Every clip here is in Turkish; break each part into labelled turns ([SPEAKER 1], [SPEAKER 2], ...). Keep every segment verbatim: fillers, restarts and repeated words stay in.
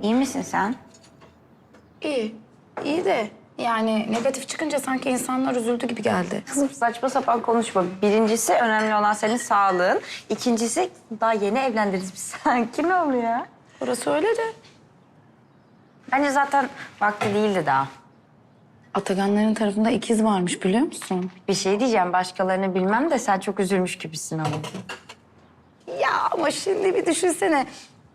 [SPEAKER 1] İyi misin sen?
[SPEAKER 2] İyi. İyi de yani negatif çıkınca sanki insanlar üzüldü gibi geldi.
[SPEAKER 1] Kızım saçma sapan konuşma. Birincisi önemli olan senin sağlığın. İkincisi daha yeni evlendiniz biz. Sanki ne oluyor?
[SPEAKER 2] Orası öyle de.
[SPEAKER 1] Bence zaten vakti değildi daha.
[SPEAKER 2] Ataganların tarafında ikiz varmış biliyor musun?
[SPEAKER 1] Bir şey diyeceğim, başkalarını bilmem de sen çok üzülmüş gibisin ama.
[SPEAKER 2] Ya ama şimdi bir düşünsene.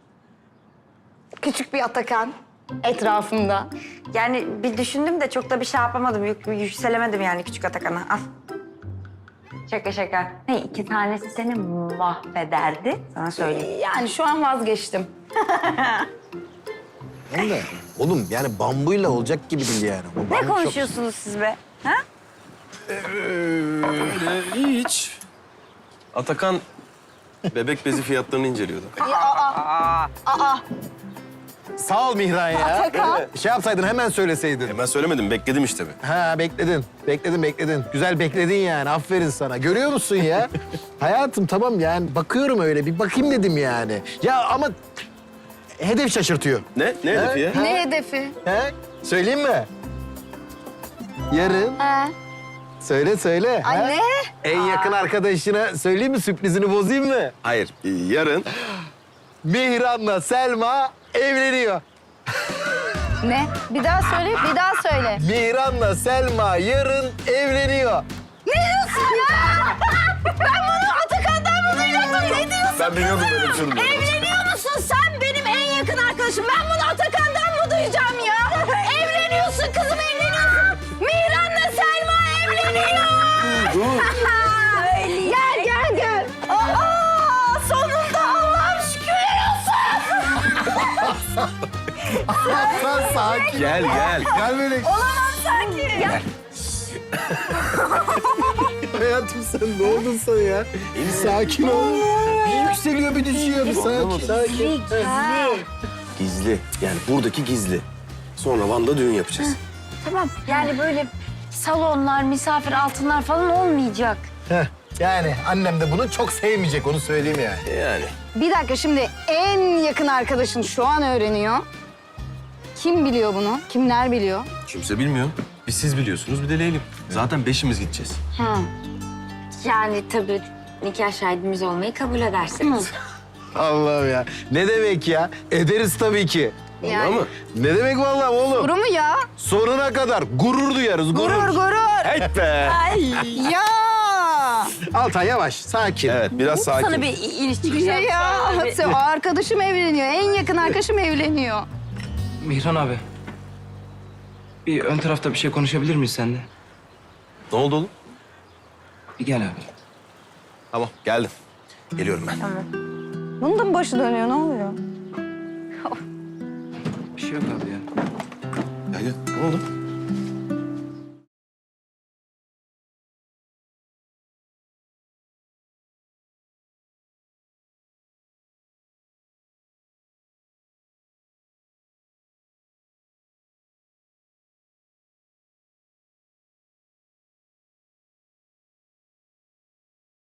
[SPEAKER 2] Küçük bir Atakan etrafında.
[SPEAKER 1] Yani bir düşündüm de çok da bir şey yapamadım. Yük, yükselemedim yani küçük Atakan'a. Al. Şaka şaka. Ne, iki tanesi seni mahvederdi. Sana söyleyeyim.
[SPEAKER 2] Yani şu an vazgeçtim.
[SPEAKER 3] Hem de oğlum yani bambuyla olacak gibi değil yani. O
[SPEAKER 1] Ne
[SPEAKER 3] bambu çok-
[SPEAKER 1] konuşuyorsunuz siz be? Ha?
[SPEAKER 4] Öyle hiç. Atakan bebek bezi fiyatlarını inceliyordu.
[SPEAKER 3] Sağ ol Mihran ya.
[SPEAKER 2] Atakan.
[SPEAKER 3] Şey yapsaydın hemen söyleseydin.
[SPEAKER 4] E ben söylemedim, bekledim işte be.
[SPEAKER 3] Ha bekledin. Bekledin bekledin. Güzel bekledin yani. Aferin sana. Görüyor musun ya? Hayatım tamam yani bakıyorum öyle bir bakayım dedim yani. Ya ama hedef şaşırtıyor.
[SPEAKER 4] Ne? Ne hedefi ya?
[SPEAKER 2] Ne hedefi?
[SPEAKER 3] He? Söyleyeyim mi? Yarın.
[SPEAKER 2] Ha.
[SPEAKER 3] Söyle söyle. ha?
[SPEAKER 2] Anne.
[SPEAKER 3] En yakın arkadaşına söyleyeyim mi? Sürprizini bozayım mı?
[SPEAKER 4] Hayır, e, yarın
[SPEAKER 3] Mihran'la Selma evleniyor.
[SPEAKER 2] Ne? Bir daha söyle, bir daha söyle.
[SPEAKER 3] Mihran'la Selma yarın evleniyor.
[SPEAKER 2] Ne diyorsun ya? Ben bunu Atakan'dan mı duyacaktım? Ne diyorsun?
[SPEAKER 4] ben biliyordum böyle bir şey olduğunu.
[SPEAKER 2] Evleniyor musun sen benim en yakın arkadaşım? Ben bunu Atakan'dan mı duyacağım ya? Evleniyorsun kızım, evleniyorsun. Mihran'la Selma evleniyor.
[SPEAKER 4] Dur.
[SPEAKER 2] Gel gel gel. Aa, sonunda Allah'ım şükürler olsun.
[SPEAKER 3] Sen sakin.
[SPEAKER 4] Gel gel.
[SPEAKER 3] Gel böyle.
[SPEAKER 2] Olamam sanki. Gel.
[SPEAKER 3] Hayatım sen ne oldun sen ya? Sakin ol. Bir yükseliyor bir düşüyor. Bir sakin. Sakin.
[SPEAKER 4] Gizli. Yani buradaki gizli. Sonra Van'da düğün yapacağız.
[SPEAKER 1] Tamam. Yani böyle salonlar, misafir altınlar falan olmayacak.
[SPEAKER 3] Heh, yani annem de bunu çok sevmeyecek onu söyleyeyim yani.
[SPEAKER 4] Yani.
[SPEAKER 5] Bir dakika şimdi en yakın arkadaşın şu an öğreniyor. Kim biliyor bunu? Kimler biliyor?
[SPEAKER 4] Kimse bilmiyor. Bir siz biliyorsunuz, bir de Leylim. Zaten beşimiz gideceğiz.
[SPEAKER 5] Ha.
[SPEAKER 1] Yani tabii nikah şahidimiz olmayı kabul edersiniz.
[SPEAKER 3] Allah'ım ya. Ne demek ya? Ederiz tabii ki.
[SPEAKER 4] Vallahi mı?
[SPEAKER 3] Ne demek vallahi oğlum?
[SPEAKER 5] Guru mu ya?
[SPEAKER 3] Sonuna kadar gurur duyarız. Gurur.
[SPEAKER 5] Gurur gurur.
[SPEAKER 4] Hey be.
[SPEAKER 5] Ya.
[SPEAKER 3] Altan yavaş, sakin.
[SPEAKER 4] Evet, biraz sakin.
[SPEAKER 1] Sana bir iniş çıkış
[SPEAKER 5] Ya,
[SPEAKER 1] yapsam.
[SPEAKER 5] ya. Sen- Arkadaşım evleniyor. En yakın arkadaşım evleniyor.
[SPEAKER 6] Mihran abi. Bir ön tarafta bir şey konuşabilir miyiz seninle?
[SPEAKER 4] Ne oldu oğlum?
[SPEAKER 6] Bir gel abi.
[SPEAKER 4] Tamam, geldim. Geliyorum ben.
[SPEAKER 5] Bunun da mı başı dönüyor? Ne oluyor?
[SPEAKER 6] Bir şey yok abi ya.
[SPEAKER 4] Gel gel. Ne oldu?